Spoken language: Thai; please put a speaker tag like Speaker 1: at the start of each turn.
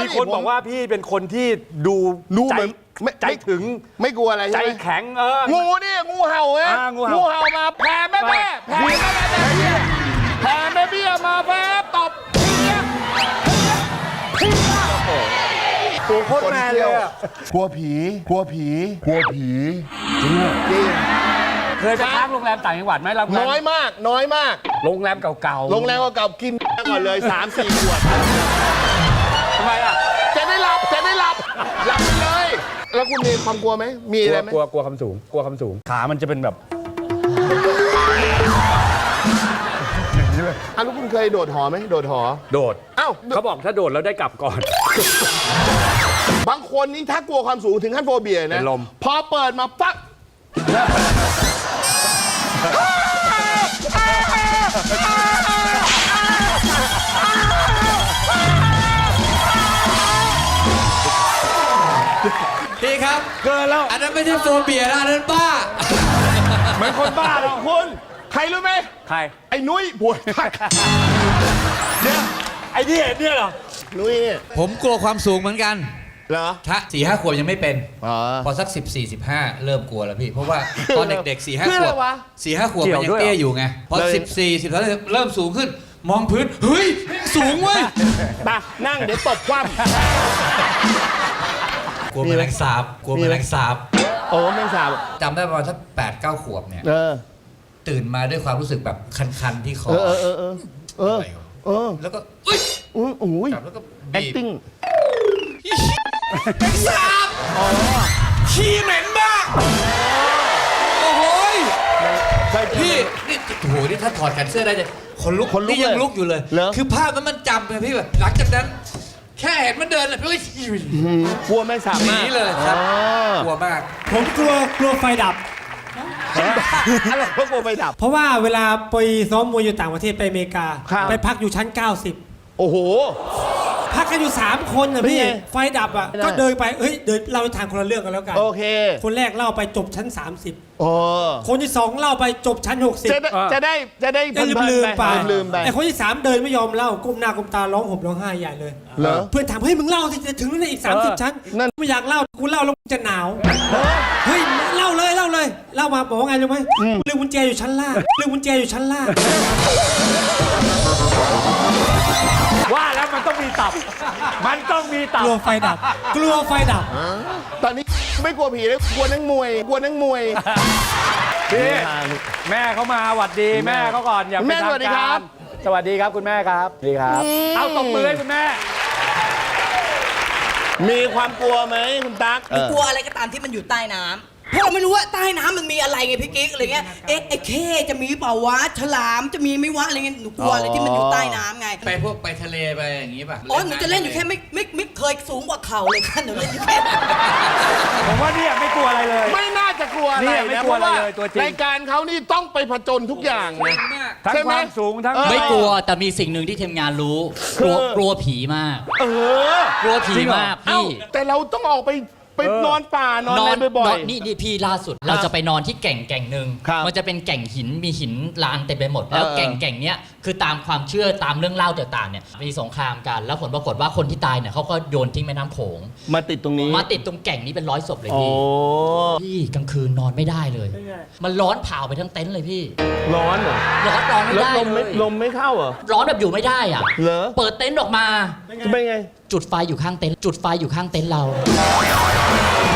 Speaker 1: มีคนบอกว่าพี่เป็นคนที่ดูใจใจถึง
Speaker 2: ไม่กลัวอะไรใช่ไหม
Speaker 1: ใจแข็ง
Speaker 2: งูนี่งูเห่าไงงูเห่ามาแผ่แม่แผ่แม่เบี้ยมาแผ่ตบ
Speaker 1: ตัวโคตรแมนเลย
Speaker 2: กลัวผีจริง
Speaker 1: เคยไปพักโรงแรมต่างจังหวัดไหมเรา
Speaker 2: น้อยมาก
Speaker 1: โรงแรมเก่า
Speaker 2: โรงแรมเก่ากินก่อนเลย 3-4 ขวด
Speaker 1: ทำไมอ่ะ
Speaker 2: จะได้หลับไปเลยแล้วคุณมีความกลัวไหมมีอะไรไหม
Speaker 1: กลัวคำสูงขามันจะเป็นแบบ
Speaker 2: แล้วคุณเคยโดดหอไหมโดด
Speaker 1: เขาบอกถ้าโดดแล้วได้กลับก่อน
Speaker 2: บางคนนี่ถ้ากลัวความสูงถึงขั้นโฟเบียนะพอเปิดมาปั๊บ
Speaker 3: พี่ครับ
Speaker 1: เกินแล้ว
Speaker 3: อันนั้นไม่ใช่โฟเบียนะอันนั้นบ้า
Speaker 2: เหมือนคนบ้าหรอกคุณใครรู้ไหม
Speaker 1: ใคร
Speaker 2: ไอ้นุ้ยป่วย
Speaker 1: เนี่ยไอ้เนี่ยเหรอ
Speaker 2: นุ้ย
Speaker 3: ผมกลัวความสูงเหมือนกัน
Speaker 2: เหรอ
Speaker 3: ถ้า4-5 ขวบยังไม่เป็นพอสัก14-15เริ่มกลัวแล้วพี่เพราะว่าตอนเด็กๆ4-5 ขวบ4-5 ขวบมันยังเตี้ยอยู่ไงพอ14-13เริ่มสูงขึ้นมองพื้นเฮ้ยสูงเว้ย
Speaker 2: มานั่งเดี๋ยวตบคว่ำ
Speaker 3: กลัวแมลงสาบโอ้แมลงสาบจำได้ประมาณสัก8-9 ขวบเนี่ยตื่นมาด้วยความรู้สึกแบบคันๆที่คอแล้วก็จับแล้วก็
Speaker 2: acting
Speaker 3: แมลงสาบขี้เหม็นมากโอ้โหพี่นี่โอ้โหนี่ถ้าถอดกันเสื้อได้จะคนลุกนี่ยังลุกอยู่เลยคือภาพมันจำเลยพี่แบบหลังจากนั้นแค่เห็นมันเดินเลยพี่
Speaker 2: กลัวแมลงสาบมาก
Speaker 3: นี่เลยครับกลัวมาก
Speaker 4: ผมกลัวไฟดับ
Speaker 2: อะไรเพราะกลัวไฟดับ
Speaker 4: เพราะว่าเวลาไปซ้อมมวยอยู่ต่างประเทศไปอเมริกาไปพักอยู่ชั้น90
Speaker 2: โอ้โห
Speaker 4: พักกันอยู่3 คนนะพี่ไฟดับอ่ะก็เดินไปเดินเล่าทางคนละเรื่องกันแล้วกัน
Speaker 2: โอเค
Speaker 4: คนแรกเล่าไปจบชั้น30คนที่2เล่าไปจบชั้น60
Speaker 2: จะได้
Speaker 4: ลืมไปไอ้คนที่3เดินไม่ยอมเล่าก้มหน้าก้มตาร้องห่มร้องไห้ใหญ่เลยเพื่อนถามเฮ้ยมึงเล่าที่จะถึงนั่นอีก30 ชั้นไม่อยากเล่ากูเล่าแล้วจะหนาวเฮ้ยเล่าเลยเล่ามาบอกว่าไงรู้ไหมลืมกุญแจอยู่ชั้นล่าง
Speaker 1: ว่าแล้วมันต้องมีตับ
Speaker 4: กลัวไฟดับ
Speaker 2: ตอนนี้ไม่กลัวผีเลยกลัวนักมวย
Speaker 1: พี่แม่เขามาหวัดดีแม่เขาก่อนอย่าไปทำการสวัสดีครับคุณแม่ครับดีครับเอาตบมือให้คุณแม่
Speaker 2: มีความกลัวไหมคุณตั๊ก
Speaker 5: กลัวอะไรก็ตามที่มันอยู่ใต้น้ำเพราะเราไม่รู้ว่าใต้น้ำมันมีอะไรไงพี่กิ๊กอะไรเงี้ยไอ้เข้จะมีเปล่าวะฉลามจะมีไม่วะอะไรเงี้ยหนูกลัวอะไรที่มันอยู่ใต้น้ำไง
Speaker 3: ไปทะเลไปอย่างงี้ป่ะ
Speaker 5: อ๋อหนูจะเล่นอยู่แค่ไม่เคยสูงกว่าเข่าเลยค่ะหนูเล่นอยู่แค่
Speaker 1: ผมว่าเนี่ยไม่กลัวอะไรเลย
Speaker 2: ไม่น่าจะกลัวอะไรนะเพราะว่ารายการเขานี่ต้องไปผจญทุกอย่างนะ
Speaker 1: ทั้งความสูงทั้ง
Speaker 6: ไม่กลัวแต่มีสิ่งหนึ่งที่ทีมงานรู้กลัวผีมากกลัวผีมากพี่
Speaker 2: แต่เราต้องออกไปนอนป่านอนอะไรบ่อย
Speaker 6: ๆนี่พี่ล่าสุดเราจะไปนอนที่แก่งหนึ่งมันจะเป็นแก่งหินมีหินลานเต็มไปหมดแล้วแก่งเนี้ยคือตามความเชื่อตามเรื่องเล่าต่างๆเนี่ยมีสงครามกันแล้วผลปรากฏว่าคนที่ตายเนี่ยเขาก็โยนทิ้งแม่น้ำโขง
Speaker 2: มาติดตรงนี้
Speaker 6: มาติดตรงแก่งนี้เป็น100 ศพเลยพี่กลางคืนนอนไม่ได้เลยมันร้อนเผาไปทั้งเต็นท์เลยพี่
Speaker 2: ร้อนเหรอ
Speaker 6: ร้อนไม่ได้
Speaker 2: ลมไม่เข้าเหรอ
Speaker 6: ร้อนแบบอยู่ไม่ได้อ่ะเปิดเต็นท์ออกมา
Speaker 2: จะเป็นไง
Speaker 6: จุดไฟอยู่ข้างเต็นท์เรา